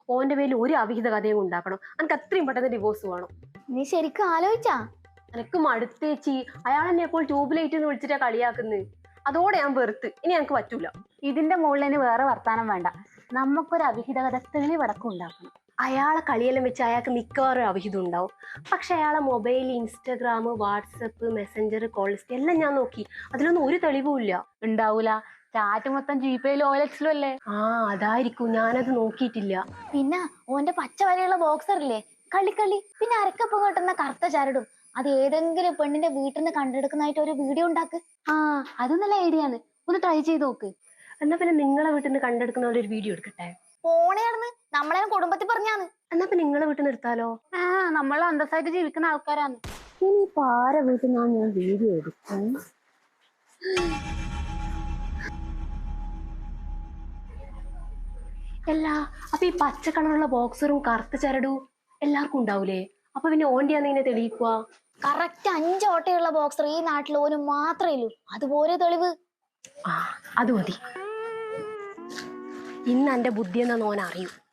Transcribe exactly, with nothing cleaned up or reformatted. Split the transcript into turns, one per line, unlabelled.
ഓന്റെ പേരിൽ ഒരു അവിഹിത കഥയും ഉണ്ടാക്കണം. എനിക്ക് അത്രയും പെട്ടെന്ന് ഡിവോഴ്സ് വേണം.
നീ ശരിക്കും ആലോചിച്ചാ?
എനക്ക് മടുത്തേച്ചി. അയാൾ എന്നെ ഇപ്പോൾ ട്യൂബ് ലൈറ്റ് എന്ന് വിളിച്ചിട്ടാ കളിയാക്കുന്നത്. അതോടെ ഞാൻ വെറുത്ത്. ഇനി എനിക്ക് പറ്റൂല.
ഇതിന്റെ മുകളിൽ വേറെ വർത്താനം വേണ്ട. നമുക്കൊരു അവിഹിത കഥ തെളിവടക്കം ഉണ്ടാക്കണം.
അയാളെ കളിയെല്ലാം വെച്ച് അയാൾക്ക് മിക്കവാറും അവിഹിതം ഉണ്ടാവും. പക്ഷെ അയാളെ mobile, Instagram, WhatsApp, Messenger, calls എല്ലാം ഞാൻ നോക്കി. അതിലൊന്നും ഒരു തെളിവും ഇല്ല.
ഉണ്ടാവൂല. ചാറ്റ് മൊത്തം ജിപേയിലും ഓലക്സിലും അല്ലേ?
ആ അതായിരിക്കും. ഞാനത് നോക്കിയിട്ടില്ല.
പിന്നെ ഓന്റെ പച്ച വരെയുള്ള ബോക്സർ ഇല്ലേ, കളിക്കളി. പിന്നെ അരക്കപ്പം കിട്ടുന്ന കറുത്ത ചരടും. അത് ഏതെങ്കിലും പെണ്ണിന്റെ വീട്ടിൽ നിന്ന് കണ്ടെടുക്കുന്നതായിട്ട് ഒരു വീഡിയോ ഉണ്ടാക്ക്.
ആ അത് നല്ല ഐഡിയ ആണ്. ഒന്ന് ട്രൈ ചെയ്ത് നോക്ക്. എന്നാ പിന്നെ നിങ്ങളെ വീട്ടിൽ നിന്ന് കണ്ടെടുക്കുന്ന ഒരു വീഡിയോ എടുക്കട്ടെ.
ഫോണിയാണെന്ന് നമ്മളെ കുടുംബത്തിൽ പറഞ്ഞാന്ന്.
എന്നാ പിന്നെ നിങ്ങളെ വീട്ടിൽ നിന്ന് എടുത്താലോ?
ആ നമ്മൾ അന്തസ്സായിട്ട് ജീവിക്കുന്ന ആൾക്കാരാണ്.
ഇനി പാര വീട്ടിൽ നിന്നാണ് ഞാൻ വീഡിയോ എടുക്കും. അല്ല അപ്പൊ ഈ പച്ച കളറുള്ള ബോക്സറും കറുത്ത ചരടും എല്ലാവർക്കും ഉണ്ടാവൂലേ? അപ്പൊ പിന്നെ ഓന്റെയാന്ന് ഇങ്ങനെ തെളിയിക്കുക?
കറക്റ്റ് അഞ്ച് ഓട്ടയുള്ള ബോക്സർ ഈ നാട്ടിൽ ഓന് മാത്രമേ ഉള്ളൂ. അതുപോലെ തെളിവ്.
ആ അത് മതി. ഇന്ന് എന്റെ ബുദ്ധി എന്നാന്ന് ഓൻ അറിയൂ.